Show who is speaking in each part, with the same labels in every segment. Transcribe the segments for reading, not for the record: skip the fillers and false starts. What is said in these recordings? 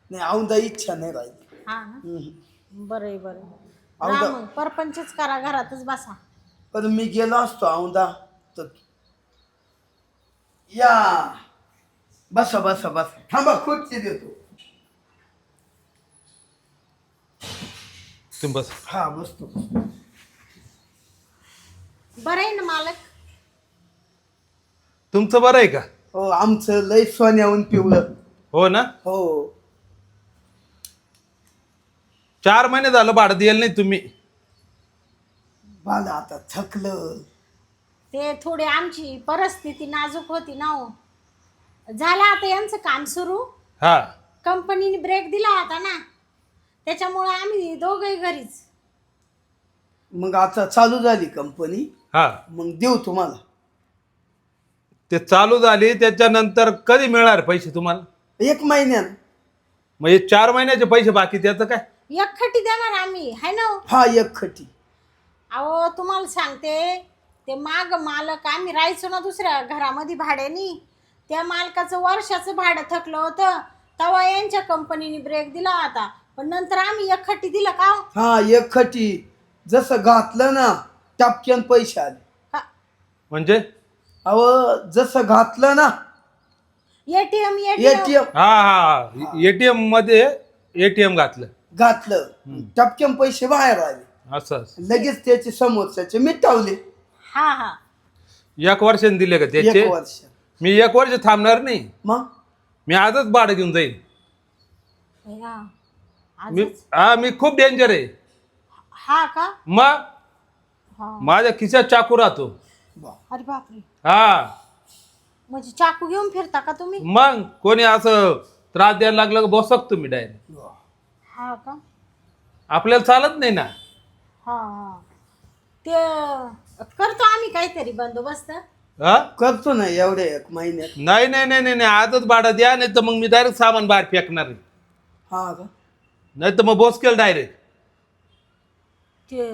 Speaker 1: नाही औंदा इच्छा नाही राहिली.
Speaker 2: हा ना. बरं आहे बरं.
Speaker 1: औंदा
Speaker 2: राहा मग परपंचच करा घरातच बसा.
Speaker 1: पण मी गेलो असतो औंदा तर या बसा बसा बसा थांबा खुर्ची देतो.
Speaker 3: तुम्ही बस.
Speaker 1: हा बसतो.
Speaker 2: बरं आहे ना मालक.
Speaker 3: तुमचं बरं आहे का?
Speaker 1: हो आमचं लय सोन्याहून पिवळं.
Speaker 3: हो ना.
Speaker 1: हो
Speaker 3: 4 महिने झालं भाडं द्यायला नाही तुम्ही.
Speaker 1: मला आता थकलं.
Speaker 2: ते थोडी आमची परिस्थिती नाजूक होती ना हो. झालं आता यांचं काम सुरू.
Speaker 3: हा
Speaker 2: कंपनीने ब्रेक दिला होता ना, त्याच्यामुळे आम्ही दोघंही घरीच.
Speaker 1: मग आता चालू झाली कंपनी.
Speaker 3: हा
Speaker 1: मग देऊ तुम्हाला.
Speaker 3: ते चालू झाली त्याच्यानंतर कधी मिळणार पैसे तुम्हाला?
Speaker 1: 1 महिन्यात.
Speaker 3: मग हे 4 महिन्याचे पैसे बाकी त्याचं काय?
Speaker 2: एकखटी देणार आम्ही है ना हो?
Speaker 1: हा एक खटी.
Speaker 2: अहो तुम्हाला सांगते, ते माग मालक आम्ही राहायचो ना दुसऱ्या घरामध्ये भाड्यानी, त्या मालकाचं वर्षाचं भाडं थकलं होतं, तेव्हा यांच्या कंपनीने ब्रेक दिला होता. पण नंतर आम्ही एकखटी दिलं का हो?
Speaker 1: हा एक खटी जसं घातलं ना टपक्यान पैसे आले.
Speaker 2: का
Speaker 3: म्हणजे
Speaker 1: अहो जसं घातलं ना
Speaker 2: एटीएम
Speaker 1: एटीएम
Speaker 3: हा हा एटीएम मध्ये एटीएम घातलं.
Speaker 1: घातलं टपक्यान पैसे बाहेर आले.
Speaker 3: असं
Speaker 1: लगेच त्याचे समोरच्याचे मिटावले.
Speaker 2: हा हा
Speaker 3: 1 वर्षाने दिले का
Speaker 1: 1
Speaker 3: त्याचे?
Speaker 1: वर्ष.
Speaker 3: मी 1 वर्ष थांबणार नाही.
Speaker 1: मग
Speaker 3: मी आजच भाडं घेऊन जाईल.
Speaker 2: भैया,
Speaker 3: मी
Speaker 2: आजच?
Speaker 3: मी खूप डेंजर आहे.
Speaker 2: हा का?
Speaker 3: मग
Speaker 2: हा.
Speaker 3: माझ्या खिशात चाकू राहतो.
Speaker 2: अरे बापरे.
Speaker 3: हा
Speaker 2: म्हणजे चाकू घेऊन फिरता का तुम्ही?
Speaker 3: मग कोणी असं त्रास द्यायला लागलं का बसक तुम्ही डायरेक्ट.
Speaker 2: हा का?
Speaker 3: आपल्याला चालत नाही ना.
Speaker 2: हा हा. ते करतो आम्ही काहीतरी बंदोबस्त.
Speaker 3: हा
Speaker 1: करतो ना एवढे 1 महिन्यात.
Speaker 3: नाही नाही नाही नाही आजच भाडं द्या, नाही तर मग मी डायरेक्ट सामान बाहेर फेकणार आहे.
Speaker 1: हा का?
Speaker 3: नाही तर मग बोस केलं डायरेक्ट.
Speaker 2: ते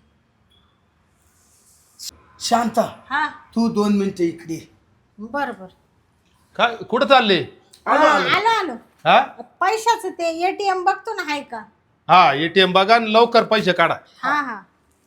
Speaker 1: शांता
Speaker 2: हा
Speaker 1: तू 2 मिनिटं इकडे ये.
Speaker 2: बर बर.
Speaker 3: काय कुठं चालले?
Speaker 1: आलो, आलो.
Speaker 2: आलो आलो.
Speaker 3: हा
Speaker 2: पैशाचं ते एटीएम बघतो ना, आहे का?
Speaker 3: हा एटीएम बघा आणि लवकर पैसे काढा.
Speaker 2: हा हा.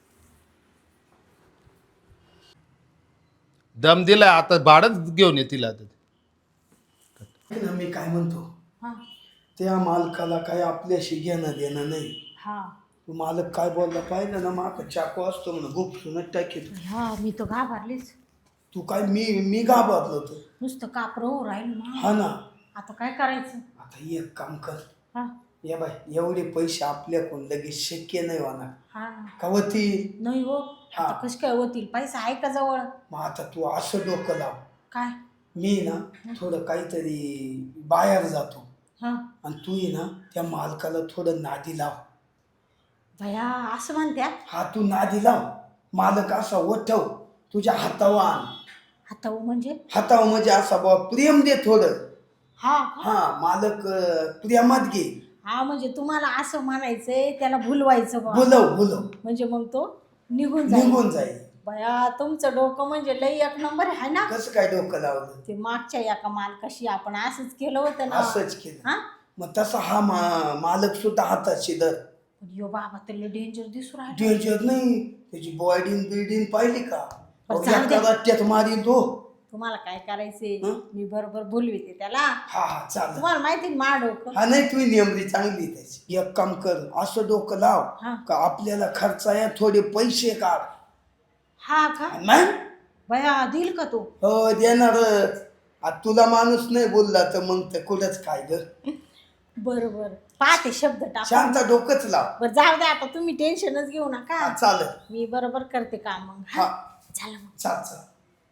Speaker 3: दम दिलाय आता भाडंच घेऊन येतील आता.
Speaker 1: ना मी काय म्हणतो
Speaker 2: हा
Speaker 1: त्या मालकाला काय आपल्याशी घेणं देणं नाही.
Speaker 2: हा.
Speaker 1: तू मालक काय बोलला पाहिलं ना माग चाकू असतो म्हणून गुपसूनच टाकेल.
Speaker 2: हा मी तो घाबरलीच.
Speaker 1: तू काय मी घाबरलो होतो.
Speaker 2: नुसतं कापरं राहील ना.
Speaker 1: हा ना.
Speaker 2: आता काय करायचं?
Speaker 1: आता एक काम कर.
Speaker 2: हा
Speaker 1: या बाय एवढे पैसे आपल्याकडून लगेच शक्य नाही होणार.
Speaker 2: हा.
Speaker 1: का होतील?
Speaker 2: नाही हो.
Speaker 1: हा.
Speaker 2: आता कसं काय होतील? पैसा आहे का जवळ?
Speaker 1: मग आता तू असं डोकं लाव.
Speaker 2: काय?
Speaker 1: मी ना थोडं काहीतरी बाहेर जातो
Speaker 2: हा.
Speaker 1: आणि तू ये ना त्या मालकाला थोडं नादी लाव.
Speaker 2: भया असं म्हणत्या?
Speaker 1: हा तू नादी लाव. मालक असा ओठव तुझ्या हातावर आण.
Speaker 2: आता म्हणजे?
Speaker 1: हातावर म्हणजे असा बाबा प्रेम दे थोडं.
Speaker 2: हा का?
Speaker 1: हा मालक प्रेमात घे.
Speaker 2: हा म्हणजे तुम्हाला असं म्हणायचंय त्याला भुलवायचं बा.
Speaker 1: बोलव
Speaker 2: म्हणजे मग तो निघून जाईल.
Speaker 1: निघून जाईल.
Speaker 2: बया तुमचं डोकं म्हणजे लई 1 नंबर आहे ना.
Speaker 1: कसं काय डोकं लावलं?
Speaker 2: ते मागच्या एका मालकाशी आपण असंच केलं होतं ना.
Speaker 1: असंच केलं.
Speaker 2: हा.
Speaker 1: मग तसा हा मालक सुद्धा हाताशी धर.
Speaker 2: यो बाबा तर डेंजर दिसू राहिला.
Speaker 1: डेंजर नाही त्याची बिल्डिंग पाहिली का?
Speaker 2: पण जाऊ दे.
Speaker 1: रट्ट्यात मारील तो.
Speaker 2: तुम्हाला काय करायचंय?
Speaker 1: हं?
Speaker 2: मी बरोबर बोलविते त्याला.
Speaker 1: हा हा चालेल.
Speaker 2: तुम्हाला माहिती ना मा डोकं.
Speaker 1: हा नाही तुम्ही नेमली चांगली त्याची. एक काम कर असं डोकं लाव
Speaker 2: हा.
Speaker 1: का आपल्याला खर्चाया थोडे पैसे काढ.
Speaker 2: हा का?
Speaker 1: नाही
Speaker 2: बया देईल का तो?
Speaker 1: हो देणारच. आता तुला माणूस नाही बोलला तर मग तर कुठंच काय ग.
Speaker 2: बरोबर पाहते शब्द टाक.
Speaker 1: शांत डोकंच लाव.
Speaker 2: बरं जाऊ द्या आता, तुम्ही टेन्शनच घेऊ नका.
Speaker 1: हा चालेल.
Speaker 2: मी बरोबर करते काम मग.
Speaker 1: हा
Speaker 2: झालं मग.
Speaker 1: चाल.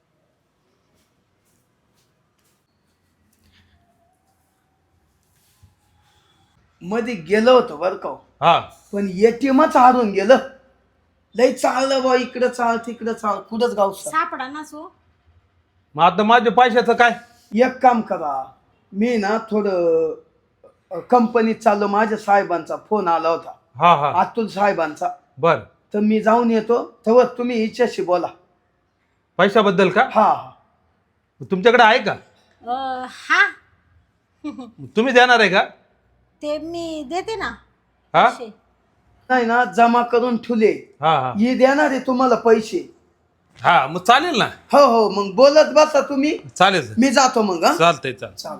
Speaker 1: मध्ये गेलो होतो बरं का.
Speaker 3: हा
Speaker 1: पण एटीएमच हारून गेलं. लय चाललं बा इकडं चाल तिकडं चाल कुठंच गावसा.
Speaker 2: सापडा ना सो.
Speaker 3: मग आता माझ्या पैशाचं काय?
Speaker 1: एक काम करा मी ना थोडं कंपनीत चाललो. माझ्या साहेबांचा फोन आला होता.
Speaker 3: हा हा
Speaker 1: अतुल साहेबांचा.
Speaker 3: बर.
Speaker 1: तर मी जाऊन येतो तेव्हा तुम्ही हिच्याशी बोला.
Speaker 3: पैशाबद्दल का?
Speaker 1: हा हा
Speaker 3: तुमच्याकडे आहे का?
Speaker 2: हा.
Speaker 3: तुम्ही देणार आहे का?
Speaker 2: ते मी देते ना
Speaker 3: हा
Speaker 2: पैसे.
Speaker 1: नाही ना जमा करून ठेवले.
Speaker 3: हा हा
Speaker 1: ही देणार आहे तुम्हाला पैसे.
Speaker 3: हा मग चालेल ना.
Speaker 1: हो हो मग बोलत बसा तुम्ही.
Speaker 3: चालेल
Speaker 1: मी जातो मग. हा
Speaker 3: चालतंय चाल.
Speaker 1: चालेल.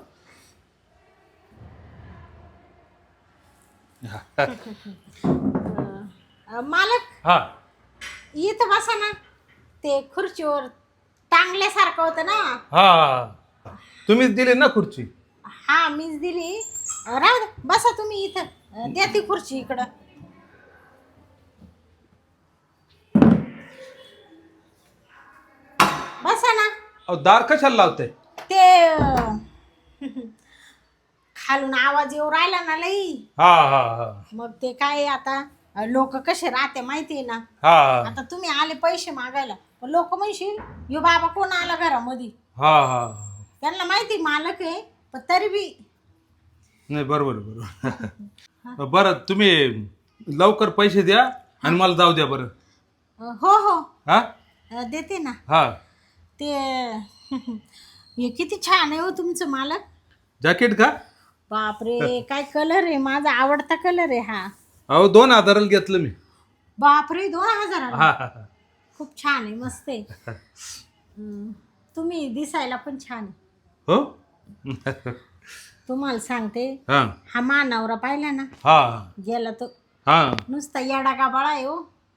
Speaker 2: मालक
Speaker 3: हा
Speaker 2: इथं बसा ना. ते खुर्चीवर टांगल्यासारखं होतं ना.
Speaker 3: हा तुम्हीच दिली ना खुर्ची.
Speaker 2: हा मीच दिली. राहू दे बसा तुम्ही इथं. द्या ती खुर्ची इकडं. बसा ना.
Speaker 3: अहो दार कशाला लावते.
Speaker 2: ते खालून आवाज येऊ राहिला ना लई.
Speaker 3: हा हा हा
Speaker 2: मग ते काय आता लोक कसे राहते माहितीये ना.
Speaker 3: हा
Speaker 2: आता तुम्ही आले पैसे मागायला लोक म्हणशील यो बाबा कोण आला घरामध्ये.
Speaker 3: हा हा
Speaker 2: त्यांना माहिती मालक आहे पण तरी बी.
Speaker 3: नाही बरोबर बरोबर. बरं तुम्ही लवकर पैसे द्या आणि मला जाऊ द्या बरं.
Speaker 2: हो हो
Speaker 3: हा
Speaker 2: देते ना.
Speaker 3: हा
Speaker 2: ते हे किती छान आहे हो तुमचं मालक.
Speaker 3: जॅकेट का.
Speaker 2: बापरे काय कलर आहे. माझा आवडता कलर आहे हा.
Speaker 3: अहो 2000 घेतलं मी.
Speaker 2: बापरे 2000.
Speaker 3: हा हा हा.
Speaker 2: खूप छान आहे मस्त आहे. तुम्ही दिसायला पण छान आहे.
Speaker 3: हो
Speaker 2: तुम्हाला सांगते
Speaker 3: हा
Speaker 2: हा मानवरा पाहिला ना
Speaker 3: हा
Speaker 2: गेला तो
Speaker 3: हा
Speaker 2: नुसता येडा गाबाळा आहे हो.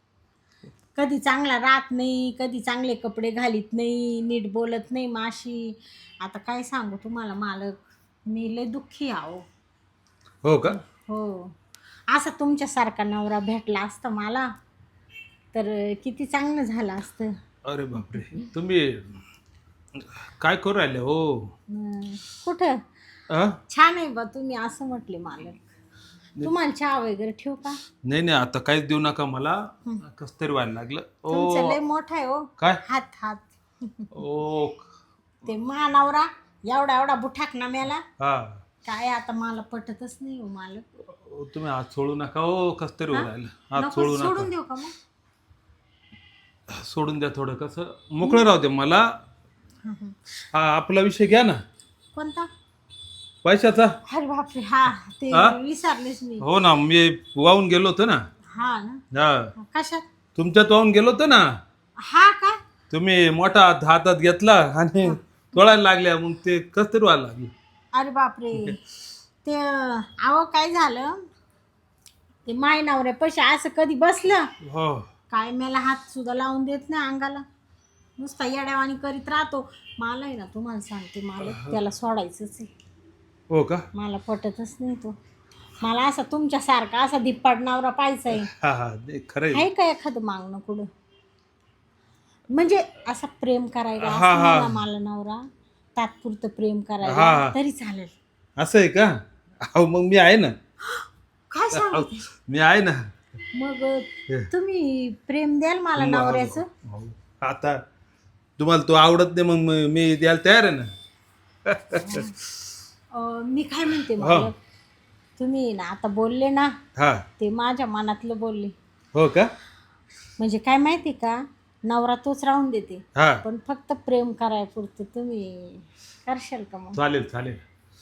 Speaker 2: कधी चांगला राहत नाही कधी चांगले कपडे घालीत नाही नीट बोलत नाही माशी. आता काय सांगू तुम्हाला मालक मी लय दुःखी आहो.
Speaker 3: हो का.
Speaker 2: हो असं तुमच्यासारखा नवरा भेटला असता मला तर किती चांगलं झालं असतं.
Speaker 3: अरे बापरे तुम्ही काय करू राहिले हो.
Speaker 2: कुठं
Speaker 3: अ?
Speaker 2: छान आहे बा तुम्ही असं म्हटले मालक. तुम्हाला चहा वगैरे ठेवू का.
Speaker 3: नाही नाही आता काहीच देऊ नका मला. कस तरी व्हायला लागलं.
Speaker 2: तुमचं
Speaker 3: ओ
Speaker 2: लय मोठा आहे हो.
Speaker 3: काय
Speaker 2: हात हात.
Speaker 3: ओ
Speaker 2: ते मानवरा एवढा एवढा बुठाक ना मेला.
Speaker 3: हा
Speaker 2: काय आता मला पटतच नाही हो मालक.
Speaker 3: तुम्ही हात सोडू नका हो. कस तरी होऊ राहिलं. हात
Speaker 2: नको
Speaker 3: सोडू
Speaker 2: सोडून
Speaker 3: नका.
Speaker 2: देऊ का मग.
Speaker 3: सोडून द्या थोडं कसं मोकळं राहू दे मला. हा आपला विषय घ्या ना
Speaker 2: कोणता.
Speaker 3: पैशाचा.
Speaker 2: अरे बापरे हा ते
Speaker 3: हा?
Speaker 2: विसरलेच मी.
Speaker 3: हो ना मी वाहून गेलो होतो ना.
Speaker 2: हा ना
Speaker 3: हा
Speaker 2: कशात.
Speaker 3: तुमच्यात वाहून गेलो होतो ना.
Speaker 2: हा का.
Speaker 3: तुम्ही मोठा हातात घेतला आणि तोडायला लागल्या मग ते कस तरी व्हायला लागलं.
Speaker 2: अरे बापरे ते अहो काय झालं ते माय नवऱ्या पैसे असं कधी बसलं
Speaker 3: हो
Speaker 2: काय मला हात सुद्धा लावून देत नाही अंगाला. नुसता येड्यावानी करीत राहतो. मला आहे ना तुम्हाला सांगते मला त्याला सोडायचंच आहे.
Speaker 3: हो का.
Speaker 2: मला पटतच नाही तो. मला असा तुमच्यासारखा असा धिप्पाड नवरा पाहिजे आहे.
Speaker 3: हा हा नाही, खरंय.
Speaker 2: आहे का एखादं मागणं कुठं म्हणजे असं प्रेम करायला
Speaker 3: हा,
Speaker 2: असं
Speaker 3: हा.
Speaker 2: मला मला नवरा तात्पुरतं प्रेम
Speaker 3: हा,
Speaker 2: करायला
Speaker 3: हा.
Speaker 2: तरी चालेल.
Speaker 3: असं आहे का. अहो मग मी आहे ना.
Speaker 2: काय सांग
Speaker 3: अहो, मी आहे ना.
Speaker 2: मग तुम्ही प्रेम द्याल मला नवऱ्याचं.
Speaker 3: हो. आता तुम्हाला तो आवडत नाही मग मी द्यायला तयार आहे ना.
Speaker 2: मी काय म्हणते
Speaker 3: हा.
Speaker 2: मला तुम्ही ना आता बोलले ना
Speaker 3: हा
Speaker 2: ते माझ्या मनातलं बोलले.
Speaker 3: हो का.
Speaker 2: म्हणजे काय माहिती का नवरा तोच राहून देते
Speaker 3: हा
Speaker 2: पण फक्त प्रेम करायपुरतं तुम्ही करशाल का मग.
Speaker 3: चालेल चालेल.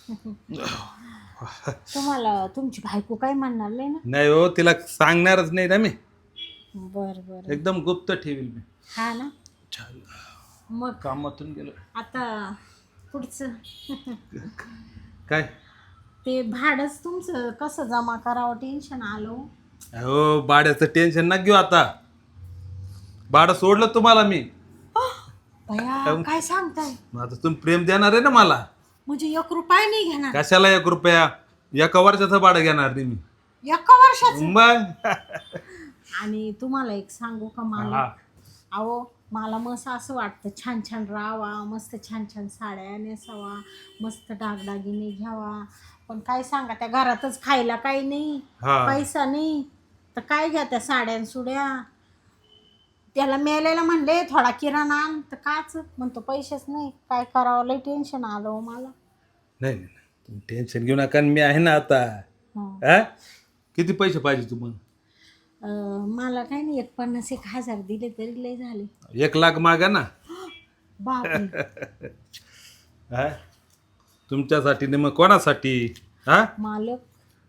Speaker 2: तुम्हाला तुमची बायको काय म्हणणार नाही ना.
Speaker 3: नाही हो तिला सांगणारच नाही ना मी.
Speaker 2: बर बर
Speaker 3: एकदम गुप्त ठेवील मी.
Speaker 2: हा ना.
Speaker 3: छान.
Speaker 2: मग
Speaker 3: कामातून गेलो.
Speaker 2: आता पुढचं
Speaker 3: काय
Speaker 2: ते भाडंच तुमचं कसं जमा करावं टेन्शन आलं.
Speaker 3: हो भाड्याचं टेन्शन ना घेऊ आता. भाडं सोडलं तुम्हाला मी.
Speaker 2: भया काय सांगताय.
Speaker 3: आता तुम्ही प्रेम देणार आहे ना मला.
Speaker 2: म्हणजे 1 रुपया नाही घेणार.
Speaker 3: कशाला 1 रुपया. एका वर्षाचं भाडं घेणार नाही मी.
Speaker 2: एका वर्षाचं.
Speaker 3: मग
Speaker 2: आणि तुम्हाला एक सांगू का मला
Speaker 3: हा.
Speaker 2: अहो मला मस्त असं वाटतं छान छान राहावा मस्त छान छान साड्या नेसावा मस्त डागडागिने घ्यावा. पण काय सांगा त्या घरातच खायला काही नाही
Speaker 3: हा.
Speaker 2: पैसा नाही तर काय घ्या त्या साड्या सुड्या. त्याला मेलेला म्हणले थोडा किराणा आण तर काच म्हणतो पैसेच नाही. काय करावं लय टेन्शन आलं हो मला.
Speaker 3: नाही नाही तुम्ही टेन्शन घेऊ नका मी आहे ना आता.
Speaker 2: हा.
Speaker 3: हा किती पैसे पाहिजे तुम्हाला.
Speaker 2: मला काय नाही 50,000 दिले तरी लय झाले.
Speaker 3: 1 लाख मागा ना.
Speaker 2: बापरे.
Speaker 3: हा तुमच्यासाठी नाही मग कोणासाठी. हा
Speaker 2: मालक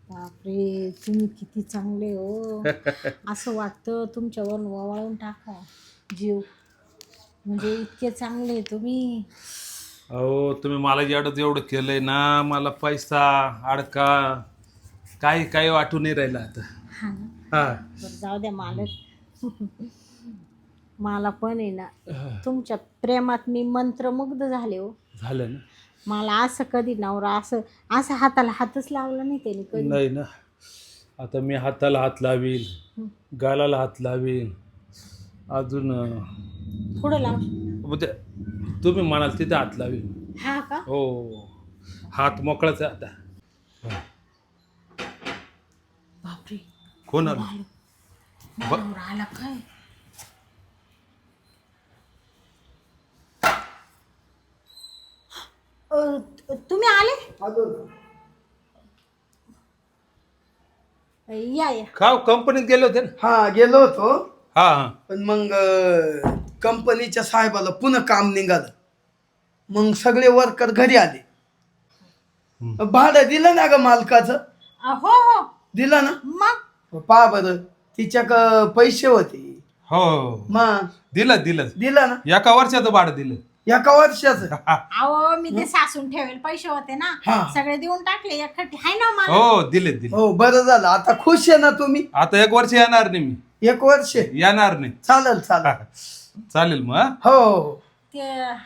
Speaker 2: बापरे तुम्ही किती चांगले हो. असं वाटतं तुमच्यावर ववाळून टाका जीव, म्हणजे इतके चांगले तुम्ही.
Speaker 3: अहो तुम्ही मला एवढं केलंय ना, मला पैसा अडका काही काही वाटू नाही राहिलं आता.
Speaker 2: हा ना.
Speaker 3: हा
Speaker 2: बरं जाऊ द्या मालक. मला पण आहे ना तुमच्या प्रेमात मी मंत्रमुग्ध झाले हो.
Speaker 3: झालं ना.
Speaker 2: मला असं कधी नवरा असं असं हाताला हातच लावला नाही त्याने कधी.
Speaker 3: नाही ना, आता मी हाताला हात लावील, गालाला हात लावील, अजून
Speaker 2: पुढं लाव.
Speaker 3: म्हणजे तुम्ही म्हणाल तिथे हात लावील.
Speaker 2: हा का.
Speaker 3: हो, हात मोकळाच आहे आता.
Speaker 2: बापरे
Speaker 3: कोण आलं?
Speaker 2: नवरा आला काय. तुम्ही आले. या या.
Speaker 3: का कंपनीत गेले होते ना?
Speaker 1: हा गेलो होतो,
Speaker 3: हा हा.
Speaker 1: पण मग कंपनीच्या साहेबाला पुन्हा काम निघालं. मग सगळे वर्कर घरी आले. भाडं दिलं ना ग मालकाचं?
Speaker 2: हो हो
Speaker 1: दिलं ना.
Speaker 2: मग
Speaker 1: पहा बरं, तिच्याक पैसे होते.
Speaker 3: हो
Speaker 1: मग
Speaker 3: दिलं दिलं.
Speaker 1: दिलं ना,
Speaker 3: एका वर्षाचं भाडं दिलं.
Speaker 1: एका वर्षाचं.
Speaker 2: अहो मी ते सासून ठेवेल पैसे होते ना,
Speaker 1: हा.
Speaker 2: सगळे देऊन टाकले एकखट्टी. हाय ना मला.
Speaker 3: हो दिले दिले.
Speaker 1: हो बरं झालं. आता खुश आहे ना तुम्ही?
Speaker 3: आता 1 वर्ष येणार नाही मी.
Speaker 1: 1 वर्ष
Speaker 3: येणार नाही.
Speaker 1: चालेल चालेल.
Speaker 3: चालेल मग.
Speaker 1: हो हो.
Speaker 2: ते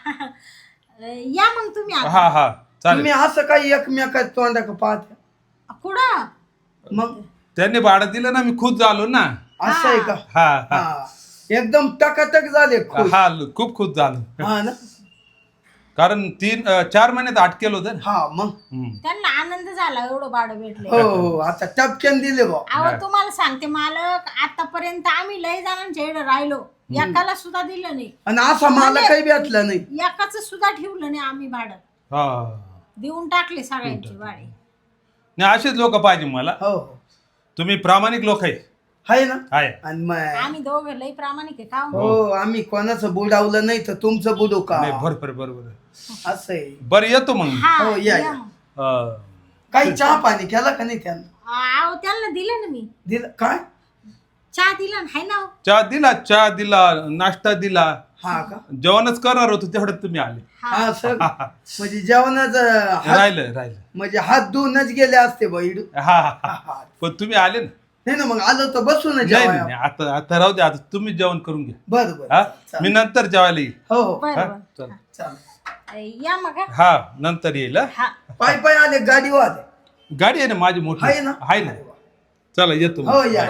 Speaker 2: या मग तुम्ही आता.
Speaker 3: हा हा चालेल.
Speaker 1: तुम्ही असं काही एकमेकात तोंडाक पाहत
Speaker 2: कुठं.
Speaker 1: मग
Speaker 3: त्यांनी भाडं दिलं ना, मी खुश झालो ना.
Speaker 1: असं आहे का?
Speaker 3: हा हा
Speaker 1: हा, एकदम टकाटक झाले खुश.
Speaker 3: हा खूप खुश झालो.
Speaker 1: हा ना.
Speaker 3: कारण 4 महिन्यात अटकेल होतं ना.
Speaker 1: हा मग
Speaker 2: त्यांना आनंद झाला एवढं भाडं भेटले.
Speaker 1: हो हो, आता टपक्यान दिले बा.
Speaker 2: अहो तुम्हाला सांगते मालक, आतापर्यंत आम्ही लय जणांच्या इकडे राहिलो, एकाला सुद्धा दिलं नाही.
Speaker 1: आणि असा मला काही भेटला नाही.
Speaker 2: एकाच सुद्धा ठेवलं नाही आम्ही भाडं.
Speaker 3: हा
Speaker 2: देऊन टाकले सगळ्यांची भाडे.
Speaker 3: नाही, असेच लोक पाहिजे मला.
Speaker 1: हो हो,
Speaker 3: तुम्ही प्रामाणिक लोक आहे.
Speaker 1: आहे ना.
Speaker 3: आहे.
Speaker 1: आणि मग
Speaker 2: आम्ही दोघं लय प्रामाणिक आहे का हो?
Speaker 1: हो, आम्ही कोणाचं बुडावलं नाही तर तुमचं बुडू का?
Speaker 3: नाही बरोबर बरोबर.
Speaker 1: असं आहे.
Speaker 3: बरं येतो मग.
Speaker 2: हा
Speaker 1: हो, या,
Speaker 2: या
Speaker 1: या.
Speaker 2: मग.
Speaker 3: हा.
Speaker 1: काही चहा पाणी केला का नाही त्यांना?
Speaker 2: अहो त्यांना दिलं ना मी,
Speaker 1: दिलं काय?
Speaker 2: चहा दिला ना. हाय ना हो?
Speaker 3: चहा दिला, नाश्ता दिला.
Speaker 1: हा का?
Speaker 3: जेवणच करणार होतो तेवढ्यात तुम्ही आले.
Speaker 1: हा सर, म्हणजे जेवणाचं
Speaker 3: राहिलं.
Speaker 1: म्हणजे हात धुवूनच गेले असते बैड.
Speaker 3: हा हा. पण तुम्ही आले ना.
Speaker 1: नाही ना, मग आलो तर बसू ना
Speaker 3: नाही
Speaker 1: जेवायला.
Speaker 3: नाही, आता राहू दे. आता तुम्ही जेवण करून घ्या.
Speaker 1: बरं
Speaker 3: हा
Speaker 1: बरं.
Speaker 3: मी नंतर जेवायला येईल.
Speaker 1: हो हो,
Speaker 2: बरं
Speaker 3: हा
Speaker 2: बरं.
Speaker 3: चल.
Speaker 1: चालेल.
Speaker 2: या मग हा.
Speaker 3: हा नंतर येईल. हा?
Speaker 2: हा.
Speaker 1: पाय पाय आले, गाडीवर आले.
Speaker 3: गाडी आहे ना माझी मोठी.
Speaker 1: आहे ना?
Speaker 3: आहे ना. चला येतो मग.
Speaker 1: हो या.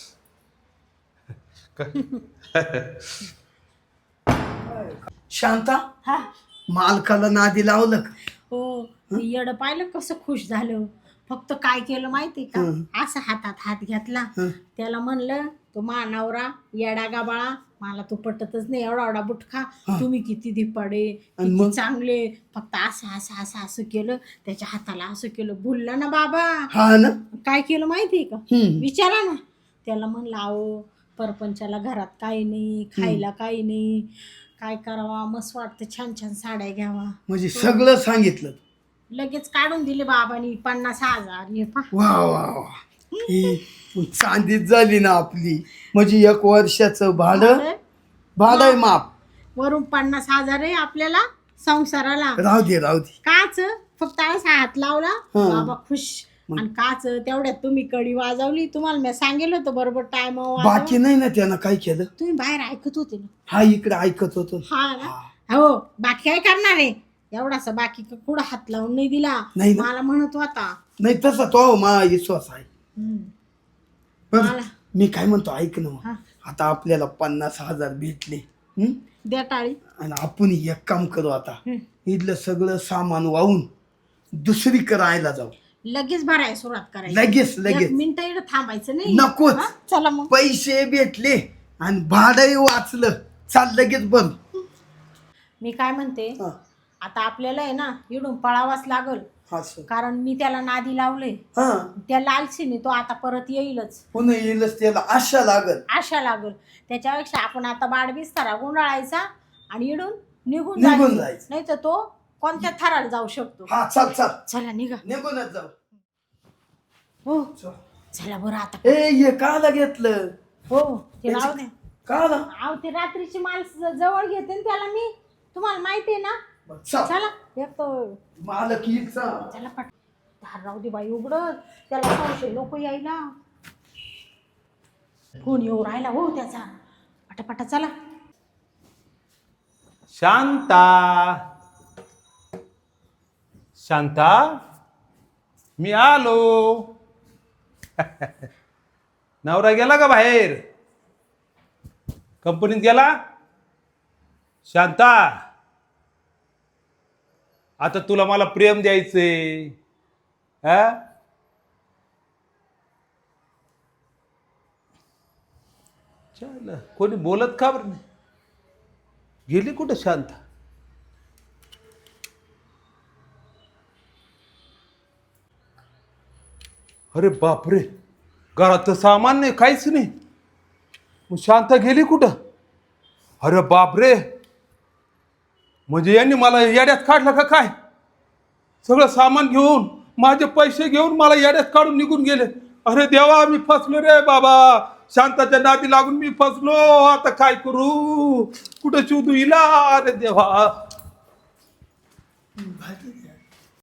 Speaker 1: शांता,
Speaker 2: हा.
Speaker 1: मालकाला नादी लावलं का?
Speaker 2: हो ते येडं पाहिलं कसं खुश झालं. फक्त काय केलं माहिती का, असं हातात हात घेतला, त्याला म्हणलं तो नवरा येडा गाबाळा, मला तो पटतच नाही एवढा एवढा बुटखा, तुम्ही किती धिप्पाडे, किती चांगले. फक्त असं असं असं असं केलं, त्याच्या हाताला असं केलं. बोलला ना बाबा.
Speaker 1: हा ना.
Speaker 2: काय केलं माहितीये का, विचारा ना. त्याला म्हणलं अहो परपंचाला घरात काही नाही, खायला काही नाही, काय करावा, मस्त वाटतं छान छान साड्या घ्यावा.
Speaker 1: म्हणजे सगळं सांगितलं.
Speaker 2: लगेच काढून दिले बाबांनी 50,000. हे पा.
Speaker 1: वा वा वा, ही चांदीच झाली ना आपली. म्हणजे 1 वर्षाचं भाडं आहे माप.
Speaker 2: वरून 50,000 आहे आपल्याला संसाराला.
Speaker 1: राहू दे.
Speaker 2: काच फक्त असा हात लावला बाबा खुश. आणि काच तेवढ्यात तुम्ही कडी वाजवली. तुम्हाला मी सांगेल होतं बरोबर टाइम.
Speaker 1: बाकी नाही ना त्यानं काय केलं?
Speaker 2: तुम्ही बाहेर ऐकत होते ना.
Speaker 1: हा इकडे ऐकत होतो.
Speaker 2: हा ना. हो बाकी काय करणार आहे, एवढासा बाकी कुठं हात लावून नाही दिला.
Speaker 1: नाही ना.
Speaker 2: मला म्हणत होता.
Speaker 1: नाही तसा तो माझा विश्वास आहे. बरं,
Speaker 2: मला
Speaker 1: मी काय म्हणतो ऐक ना.
Speaker 2: हा.
Speaker 1: आता आपल्याला 50,000 भेटले.
Speaker 2: द्या टाळी.
Speaker 1: आणि आपण एक काम करू आता. इथलं सगळं सामान वाहून दुसरी करायला जाऊ.
Speaker 2: लगेच भरायला सुरुवात करायची.
Speaker 1: लगेच
Speaker 2: एक मिनिट इकडे थांबायचं नाही.
Speaker 1: नकोच.
Speaker 2: हा, चला मग.
Speaker 1: पैसे भेटले आणि भाडंही वाचलं. चाल लगेच बंद.
Speaker 2: मी काय म्हणते, आता आपल्याला आहे ना इडून पळावाच लागल. कारण मी त्याला नादी लावले. त्या लालसीने तो आता परत येईलच.
Speaker 1: पुन्हा येईलच, त्याला आशा लागल.
Speaker 2: त्याच्यापेक्षा आपण आता बाडबिस्तारा गुंडाळायचा आणि इडून निघून
Speaker 1: जायचं.
Speaker 2: नाही तर तो कोणत्या थराला जाऊ शकतो.
Speaker 1: हा चल
Speaker 2: चला निघा.
Speaker 1: निघूनच जाऊ.
Speaker 2: हो चला बरं आता.
Speaker 1: ए हे काला घेतलं?
Speaker 2: हो ते राहू दे.
Speaker 1: काला?
Speaker 2: अहो ते रात्रीची माल जवळ घेते ना त्याला मी, तुम्हाला माहिती आहे ना. चला एक तर
Speaker 1: मालक हिचा.
Speaker 2: चला पट धार राहू दे बाई उघडत, त्याला संशय लोक यायला. फोन येऊ राहिला हो त्याचा. पटापटा चला.
Speaker 3: शांता, शांता, मी आलो. नवरा गेला का बाहेर? कंपनीत गेला? शांता, आता तुला मला प्रेम द्यायचंय. चल, कोणी बोलत का बरं नाही? गेली कुठं शांता? अरे बापरे, घरात तर सामान नाही, काहीच नाही. मग शांता गेली कुठं? अरे बापरे, म्हणजे यांनी मला येड्यात काढलं का काय? सगळं सामान घेऊन, माझे पैसे घेऊन मला येड्यात काढून निघून गेले. अरे देवा, मी फसलो रे बाबा. शांताच्या नादी लागून मी फसलो. आता काय करू? कुठं शोधू हिला? अरे देवा.